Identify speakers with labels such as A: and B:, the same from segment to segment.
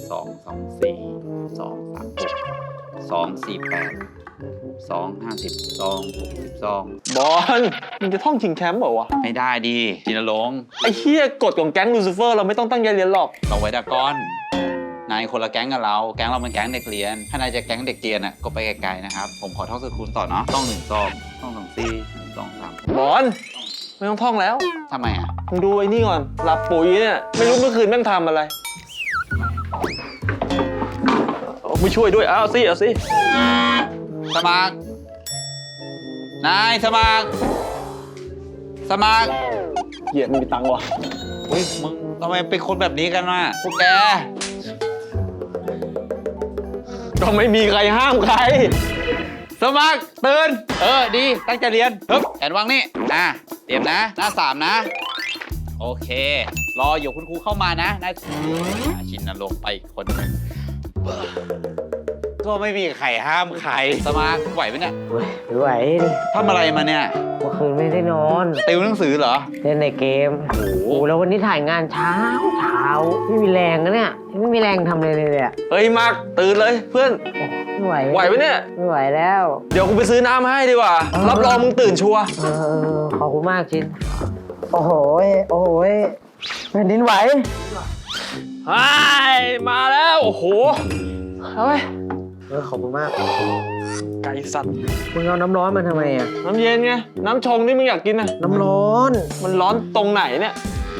A: 2 24 2 36 2 48 2 50 2 62
B: บอลมึงจะท่องชิงแชมป์เปล่าวะ
A: ไม่ได้ดิจินรงค์
B: ไอ้เหี้ยกฎของแก๊งลูซิเฟอร์เราไม่ต้องตั้งใจเรียนหรอก
A: เราไว้ดากอนนายคนละแก๊งกับเราแก๊งเราเป็นแก๊งเด็กเรียนถ้านายจะแก๊งเด็กเรียนอ่ะก็ไปไกลๆนะครับผมขอท่องสกุลต่อเนาะต้อง1 2 ต้อง2 4 2 3
B: บอลไม่ต้องท่องแล้ว
A: ทำไมอ่ะ
B: มึงดูไอ้นี่ก่อนหลับปุ๋ยเนี่ยไม่รู้เมื่อคืนแม่งทำอะไรไม่ช่วยด้วยเอาสิ
A: สมัครนายสมัคร
B: เหี้ยไม่มีตังค์วะ
A: อุ้ยมึงทำไมเป็นคนแบบนี้กันวะพวกแก
B: ก็ไม่มีใครห้ามใคร
A: สมัครตื่นดีตั้งใจเรียนฮึบแอนวางนี่เตรียมนะหน้า3นะโอเครออยู่คุณครูเข้ามานะนายชินนรงค์ไปอีกคนหนึ่งก็ไม่มีใครห้ามใครสมัครไหวไหมเนี่ย
C: ไม่ไหวดิ
A: ทำอะไรมาเนี่ย
C: เมื่อคืนไม่ได้นอน
A: ติวหนังสือเหรอ
C: เล่นในเกมโอ้โหแล้ววันนี้ถ่ายงานเช้าไม่มีแรงนะเนี่ยไม่มีแรงทำเลยเนี่ย
B: เฮ้ยมากตื่นเลยเพื่อน
C: ไม่ไหว
B: ไหวไหมเนี่ย
C: ไม่ไหวแล้ว
B: เดี๋ยวกูไปซื้อน้ำให้ดีกว่ารับรองมึงตื่นชัวร์
C: ขอบคุณมากชินโอ้โหแผ่นดินไหว
B: ไอ้มาแล้วโอ้โหเอาไป
C: ขอบคุณมาก
B: ไก่สัตว์
C: มึงเอาน้ำร้อนมาทำไมอ่ะ
B: น้ำเย็นไงน้ำชงที่มึงอยากกินน่ะ
C: น้ำร้อน
B: มันร้อนตรงไหนเนี่ย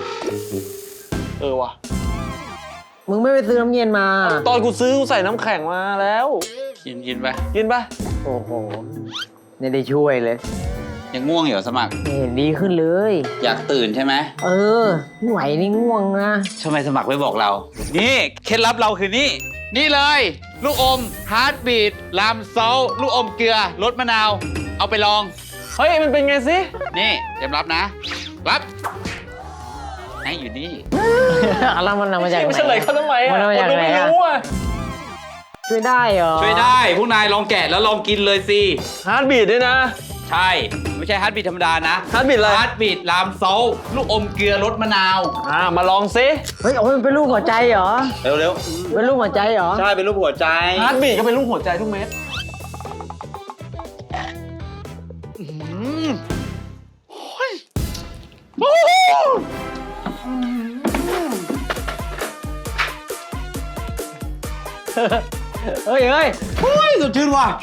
B: ว่ะ
C: มึงไม่ไปซื้อน้ำเย็นมา
B: ตอนกูซื้อกูใส่น้ำแข็งมาแล้ว
A: กินไป
B: กินปะ
C: โอ้โหไม่ได้ช่วยเลย
A: ยังง่วงอยู่เหรอสมัคร
C: ไม่เห็นดีขึ้นเลย
A: อยากตื่นใช่ไหม
C: ไม่ไหวนี่ง่วงนะ
A: ทำไมสมัครไม่บอกเรา นี่เคล็ดลับเราคือนี่เลย ลูกอมฮาร์ดบีทลามซอลลูกอมเกลือรสมะนาว เอาไปลอง
B: เฮ้ยมันเป็นไงสิ
A: นี่เตรียมรับนะ รับให้อยู่นี่
C: อะไรมันมาจากไหน
B: ไม่เฉลยเขาทำไมอ่ะ
C: มันมาจาก
B: ดู
C: ไหน
B: ไม่
C: อ่ะ
B: รู้อ่ะ
C: ช่วยได้เหรอ
A: ช่วยได้พวกนายลองแกะแล้วลองกินเลยสิ
B: ฮาร์ดบีดด้วยนะ
A: ใช่ ไม่ใช่ฮาร์ดบีทธรรมดานะ
B: ฮาร์ดบีดอะไร
A: ฮาร์ดบีทลามซอลลูกอมเกลือรสมะนาว
B: มาลองสิ
C: เฮ้ยโอ้ยมันเป็นรูปหัวใจเหรอ
A: เร็ว
C: เป็นรูปหัวใจเหรอ
A: ๆใช่เป็นรูปหัวใจ
B: ฮาร์ดบีดก็เป็นลูกหัวใจทุกเม็ด
C: เฮ้ย
A: เฮ้ยสดชื่นว่ะ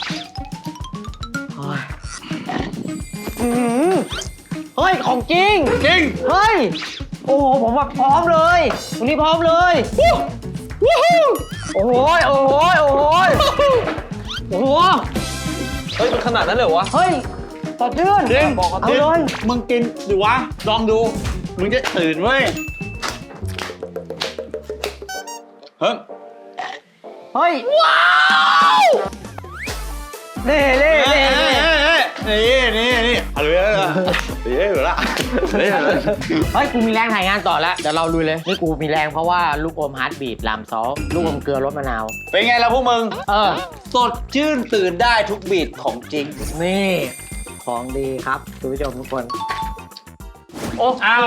C: เฮ้ยของจริง
A: จริง
C: เฮ้ย โอ้โหผมแบบพร้อมเลยวันนี้พร้อมเลยโอ้โหโอ้โหโอ้โหโอ้โห
B: เฮ้ยมันขนาดนั้นเลยเหรอวะ
C: เฮ้ยสดชื่น
A: จริง
C: เอาเลย
A: มึงกินดูวะ ลองดู มึงจะตื่นเว้ย เฮ้ย
C: เฮ้ยว้าวนี่
A: เอาเลย
C: เฮ้ยกูมีแรงถ่ายงานต่อแล้วเดี๋ยวเราลุยเลยนี่กูมีแรงเพราะว่าลูกอมฮาร์ดบีทลามซอสลูกอมเกลือรสมะนาว
A: เป็นไงล่ะพวกมึง
C: สด
A: ชื่นตื่นได้ทุกบีทของจริง
C: นี่ของดีครับคุณผู้ชมทุกคน
B: โอ้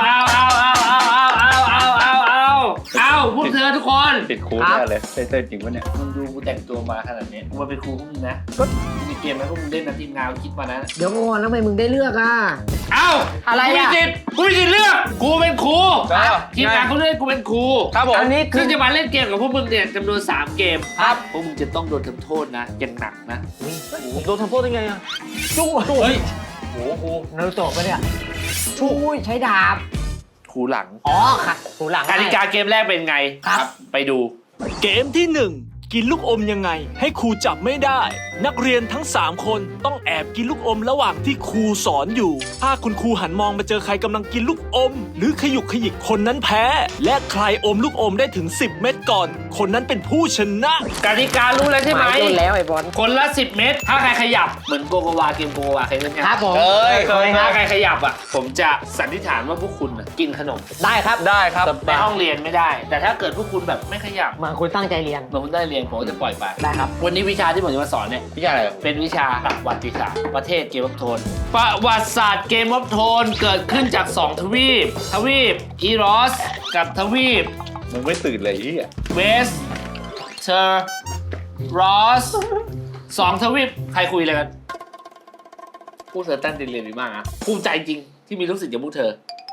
D: เอาพวกเธอทุกคน
A: ติดคูแน่เลยเต้นจริงปะเนี่ย
D: มึงดูกูแต่งตัวมาขนาดนี้กูมาเป็นครูพวกมึงนะมีเกมไหมพวกมึงเล่นนะทีมงานคิดมานะ
C: เดี๋ยวก่อนแล้วทำไมมึงได้เลือกอ่ะ
D: เอ้า
C: อะไรอะ
D: กูมีสิทธิ์เลือกกูเป็นครู
B: ครับ
D: ทีมงานเขาเลือกกูเป็นครู
B: ครับผม
C: อันนี้คื
D: ซึ่
C: อง
D: จะมาเล่นเกมกับพวกมึงเนี่ยจำนวน3เกมครับพวกมึงจะต้องโดนทำโทษนะอย่างหนักนะ
B: ผมโดนทำโทษได้ไงอ่ะจุ๊บ
D: เฮ้ย
C: นารูโตะปะเนี่ยชูยใช้ดาบ
D: ครูหลัง
C: อ๋อค่ะหูหลัง
D: กติกาเกมแรกเป็นไง
C: ครับ
D: ไปดู
E: เกมที่ 1 กินลูกอมยังไง ให้ครูจับไม่ได้ นักเรียนทั้ง 3 คนต้องแอบกินลูกอมระหว่างที่ครูสอนอยู่ ถ้าคุณครูหันมองมาเจอใครกำลังกินลูกอม หรือขยุกขยิกคนนั้นแพ้ และใครอมลูกอมได้ถึง 10 เม็ดก่อน คนนั้นเป็นผู้ชนะ
D: กติการู้แล้วใช่ไหม
C: โดนแล้วไอ้บอล
D: คนละ10 เม็ดถ้าใครขยับเหมือนโกโกวาเกมโกโกวาเคยเล่นไหม
C: ครับผม
D: เคยถ้าใครขยับอ่ะผมจะสันนิษฐานว่าพวกคุณน่ะกินขนม
C: ได้ครับ
B: ได้ครับ
D: ในห้องเรียนไม่ได้ แต่ถ้าเกิดพวกคุณแบบไม่ขยับ
C: มาคุณตั้งใจเรียน
D: เหมือนคุณได้เรียนผมก็จะปล่อยไป
C: ได้ครับ
D: วันนี้วิชาที่ผมจะมาสอนเนี่ย
A: พี่ชายอะไร
D: เป็นวิชาประวัติศาสตร์ประเทศเกมออฟโทนประวัติศาสตร์เกมออฟโทนเกิดขึ้นจาก 2 ทวีปอีรอสกับทวีป
A: มึงไม่ตื่นเลยที่อ่ะ
D: เวสเธอรอส2 ทวีปใครคุยอะไรกันพวกเธอตั้งใจเรียนดีมากนะภูมิใจจริงที่มีลูกศิษย์อย่างพวกเธอ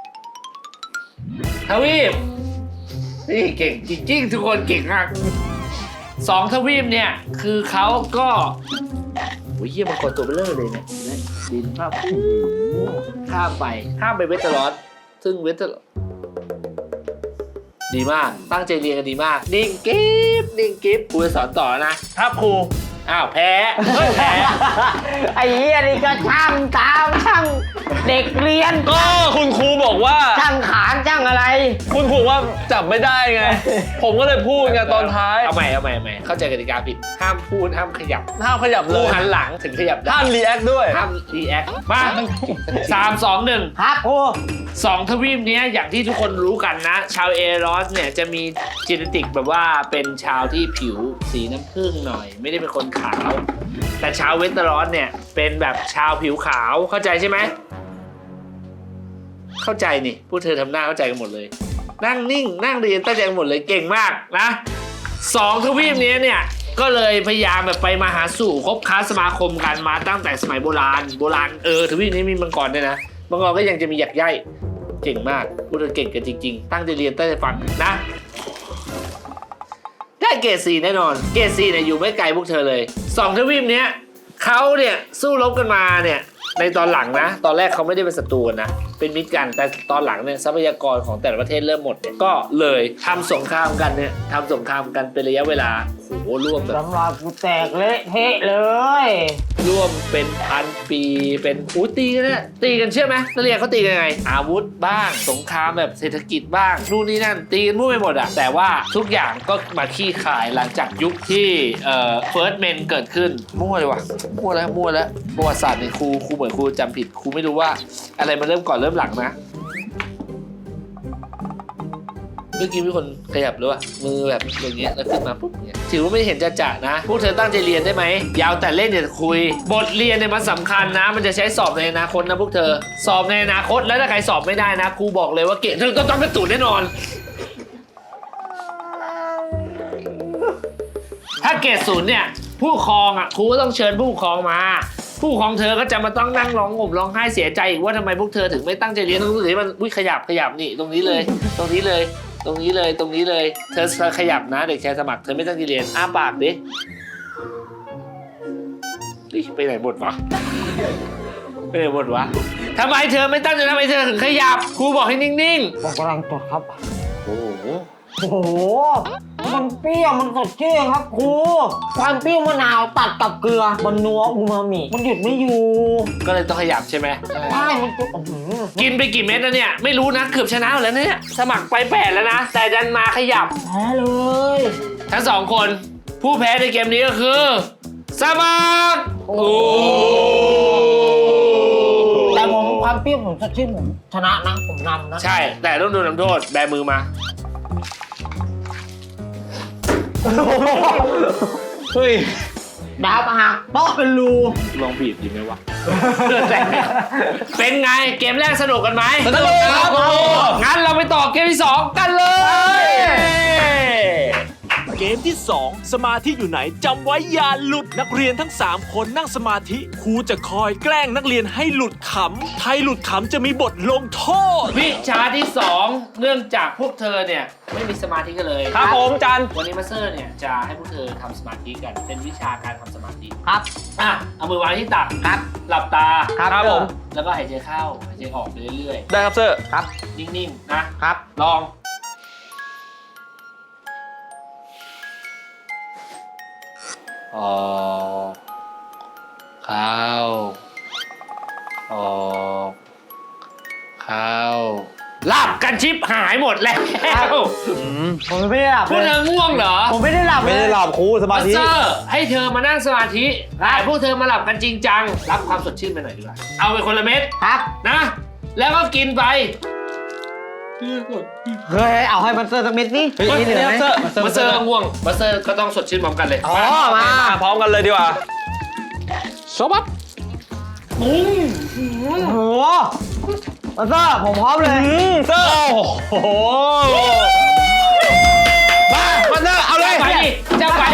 D: ทวีปนี่เก่งจริงๆทุกคนเก่งมาก2 ทวีปเนี่ยคือเขาก็โอ้ยเยี่ยมมันกดตัวเบลอเลยเนี่ยดินภาพข้ามไปเวสเทอรอสซึ่งเวสเทอรอสดีมากตั้งใจเรียนกันดีมากนิ่งกิ๊บครูจะสอนต่อนะครับครูอ้าวแพ้แพ้
C: ไอ้เหี้ยนี่ก็ช่างตามช่างเด็กเรียน
B: ก็คุณครูบอกว่า
C: ช่างขานช่างอะไร
B: คุณครูว่าจับไม่ได้ไง ผมก็เลยพูดไงตอนท้าย
D: เอาใหม่เข้าใจกติกาผิดห้ามพูดห้ามขยับ
B: ห้ามขยับเล
D: ผู้
B: ย
D: หันหลังถึงขยับได้
B: ห้ามรีแอคด้วย
D: ห้ามรีแอคมา3 2 1
C: ครับครู
D: 2 ทวีปเนี้ยอย่างที่ทุกคนรู้กันนะ ชาวเอรอสเนี่ยจะมีจีเนติกแบบว่าเป็นชาวที่ผิวสีน้ำผึ้งหน่อย ไม่ได้เป็นคนขาว แต่ชาวเวสเทอรอสเนี่ยเป็นแบบชาวผิวขาวเข้าใจใช่ไหมเข้าใจนี่พวกเธอทำหน้าเข้าใจกันหมดเลย นั่งนิ่งนั่งเรียนตั้งใจกันหมดเลยเก่งมากนะ2 ทวีปนี้เนี่ยก็เลยพยายามแบบไปมาหาสู่คบค้าสมาคมกันมาตั้งแต่สมัยโบราณทวีปนี้มีมังกรด้วยนะมังกรก็ยังจะมีหยักใยเก่งมากพวกเธอเก่งกันจริงๆตั้งใจเรียนตั้งใจฟังนะได้เกรด 4 แน่นอนเกรด 4เนี่ยอยู่ไม่ไกลพวกเธอเลย2 ทวีปเนี้ยเขาเนี่ยสู้รบกันมาเนี่ยในตอนหลังนะตอนแรกเขาไม่ได้เป็นศัตรูนะเป็นมิตรกันแต่ตอนหลังเนี่ยทรัพยากรของแต่ละประเทศเริ่มหมดเนี่ยก็เลยทำสงครามกันเป็นระยะเวลาโหร่วมแบบ
C: สำหรับกูแตกเละเทะเลย
D: ร่วมเป็น1,000 ปีเป็นตีกันเนี่ยตีกันเชื่อไหมนักเรียนเขาตีกันยังไงอาวุธบ้างสงครามแบบเศรษฐกิจบ้างนู่นนี่นั่นตีกันมั่วไปหมดอะแต่ว่าทุกอย่างก็มาขี้ขายหลังจากยุคที่First Men เกิดขึ้นมั่วเลยว่ะมั่วแล้วประวัติศาสตร์เนี่ยครูเหมือนครูจำผิดครูไม่รู้ว่าอะไรมันเริ่มก่อนเริ่มหลังนะเมื่อกี้มีคนขยับหรือว่ามือแบบอย่างเงี้ยแล้วขึ้นมาปุ๊บเนี่ยถือว่าไม่เห็นจะนะพวกเธอตั้งใจเรียนได้ไหมยาวแต่เล่นอย่าคุยบทเรียนเนี่ยมันสำคัญนะมันจะใช้สอบในอนาคตนะพวกเธอสอบในอนาคตแล้วถ้าใครสอบไม่ได้นะครูบอกเลยว่าเกรดเธอก็ต้องกระตุนแน่นอนถ้าเกรด 0เนี่ยผู้ปกครองอ่ะครูก็ต้องเชิญผู้ปกครองมาผู้ปกครองเธอก็จะมาต้องนั่งร้องห่มร้องไห้เสียใจอีกว่าทำไมพวกเธอถึงไม่ตั้งใจเรียนตรงนี้มันขยับนี่ตรงนี้เลยเธอขยับนะเด็กชายสมัครเธอไม่ตั้งใจเรียนอ้าปากดิไปไหนหมดวะทำไมเธอไม่ตั้งใจทำไมเธอถึงขยับครูบอกให้นิ่งๆ
C: ผมกำลังจดครับ
D: โอ้โห
C: โอ้โห มันเปรี้ยว มันสดชื่นครับครู ความเปรี้ยวมะนาวตัดกับเกลือ มันนัวอูมามิ มันหยุดไม่อยู่
D: ก็เลยต้องขยับใช่ไหม
C: ใช่ มันจะ
D: กินไปกี่เม็ดแล้วเนี่ยไม่รู้นะเกือบชนะแล้วเนี่ยสมัครไป8แล้วนะแต่ดันมาขยับ
C: แพ้เลย
D: ทั้ง2 คนผู้แพ้ในเกมนี้ก็คือสมัครโอ้
C: แต่ผมความเปรี้ยวผมสดชื่นผมชนะนะ ผมนำนะ
D: ใช่แต่ต้องโดนทำโทษแบมือมา
B: เฮ้ย
C: ดาวหักโต๊ะเป็นรู
D: ลองบีบดีไหมวะ เป็นไงเกมแรกสนุกกันไหม
B: สนุกครับ
D: งั้นเราไปต่อเกมที่ 2 กันเลย
E: เกมที่ 2 สมาธิอยู่ไหนจำไว้อย่าหลุดนักเรียนทั้ง 3 คนนั่งสมาธิครูจะคอยแกล้งนักเรียนให้หลุดขำใครหลุดขำจะมีบทลงโทษ
D: วิชาที่ 2 เนื่องจากพวกเธอเนี่ยไม่มีสมาธิกันเลย
B: ครับผมจัน
D: วันนี้มาสเตอร์เนี่ยจะให้พวกเธอทำสมาธิกันเป็นวิชาการทำสมาธิ
C: ครับ
D: อ่ะเอามือวางที่ตัก
C: ครับ
D: หลับตา
B: ครับผม
D: แล้วก็หายใจเข้าหายใจออกไปเรื่อย
B: ได้ครับเซอร์
C: ครับ
D: ๆนิ่งๆนะครับ ลองออกเข้าออกเข้าหลับกันชิปหายหมดแล้ว
C: ผมไม่ได้หลับ
D: พวก
C: เล
D: เธ
C: ย
D: อง่วงเหรอ
C: ผมไม่ได้หลับเลย
B: ไม่ได้หลับครูสมา
D: มาส
B: ธิ
D: เตอร์ให้เธอมานั่งสมาธิแต่พวกเธอมาหลับกันจริงจังรับความสดชื่นไปหน่อยดีกว่าเอาไปคนละเม็ด
C: ครับ
D: นะ แล้วก็กินไป
C: เฮ้ย เอาให้มันเซอร์สักเม็ดนี่นี่เหลือไหม
D: มาสเตอร์ก็ง่วงมาสเตอร์ก็ต้องสดชื่นพร้อมกันเลย
C: อ๋อ มา
B: มาพร้อมกันเลยดีกว่าโซบับ
D: ปุ้ง
C: โอ้โหมาเซอร์ผมพร้อมเลย
B: เซอร์โอ้โหมาเซอร์เอาเลย
D: ไปดิจะไป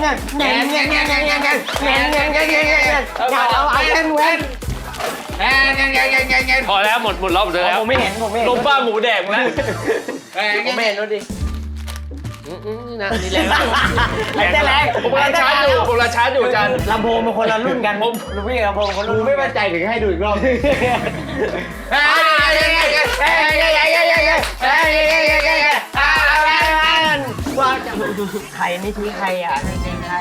D: พอแล้วหมดรอบเลยแล้ว
C: ผมไม่เห็นผมไม่เห็น
B: ลมบ้าหมูแดงนะ
C: ผมไม่เห็นดูดิ
D: นี่นะนี่แรง
C: แรงแรง
B: ผมกำลังชาร์จอยู่อาจารย์
C: ลำโพงเป็นคนละรุ่นกันผมรู้พี่ลำโพงคนรุ่นไม่มั่นใจถึงให้ดูอีกรอบว่าจะใครนี่ทิ้งใครอ่ะไม่ทิ้งใคร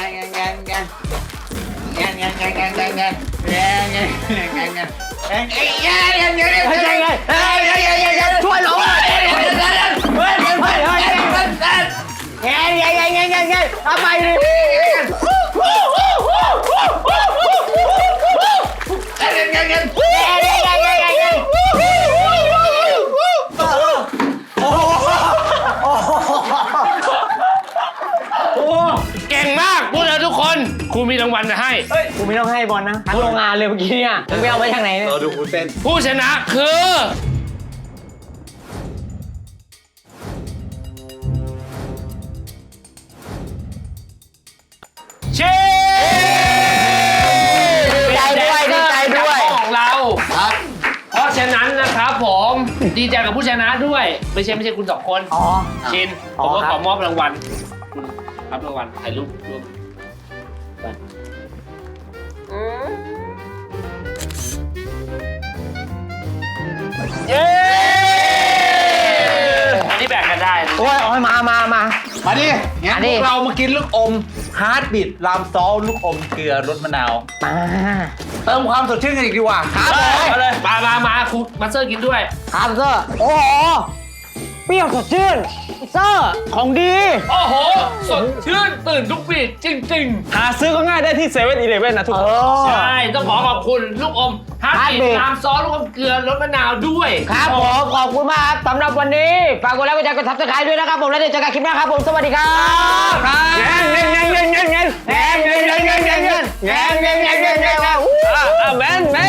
C: ช่วยหลงเอาไปดิ
D: างวัลจะให้
C: กูไม่ต้องให้บอลนะทั้งโรงงานเลยเมื่อกี้เนี่ยมึงไปเอาไปทางไหนเนี่ย
A: เราดูคุณเต้น
D: ผู้ชนะคือเชฟ
C: ดีใจด้วยดีใจด้วย
D: ของเรา
A: ครับ
D: เพราะฉะนั้นนะครับผมดีใจกับผู้ชนะด้วย ไม่ใช่คุณสองคน
C: อ๋อ
D: ชิน
C: อ๋
D: ผ
C: อ
D: มก็
C: ค
D: ข
C: รั
D: อบ มอบรางวัลคุณรับรางวัลถ่ายรูปร่วมเย้อันนี้แบ่งกันได้นะ
C: โอ้ยมา
A: มาดิงั้น
C: มา
A: พ
C: ดิ
A: วกเรามากินลูกอมฮาร์ดบิดรามซอลลูกอมเกลือรสมะนาว
C: มา
A: เติมความสดชื่นกันอีกดีกว่าครับ
D: มาเลยมาคุณมาสเตอร์กินด้วย
C: ครับเซอร์โอ้โหเปรี้ยวสดชื่นเซอร์ของดี
D: โอ้โห สดชื่นตื่นทุกปีจริง
B: หาซื้อก็ง่ายได้ที่7-11นะทุกคน
D: ๆ ใช่ ต้องขอขอบคุณลูกอมฮาร์ด
C: Heartbeat
D: บีทน้ำซอสลูกอมเกลือรสมะนาวด้วย
C: ครับผมขอบคุณมากครับสำหรับวันนี้ฝากกดไลค์กดแชร์กดซับสไครต์ด้วยนะครับผมแล้วเดี๋ยวเจอกันคลิปหน้าครับผมสวัสดีครับเงินแมน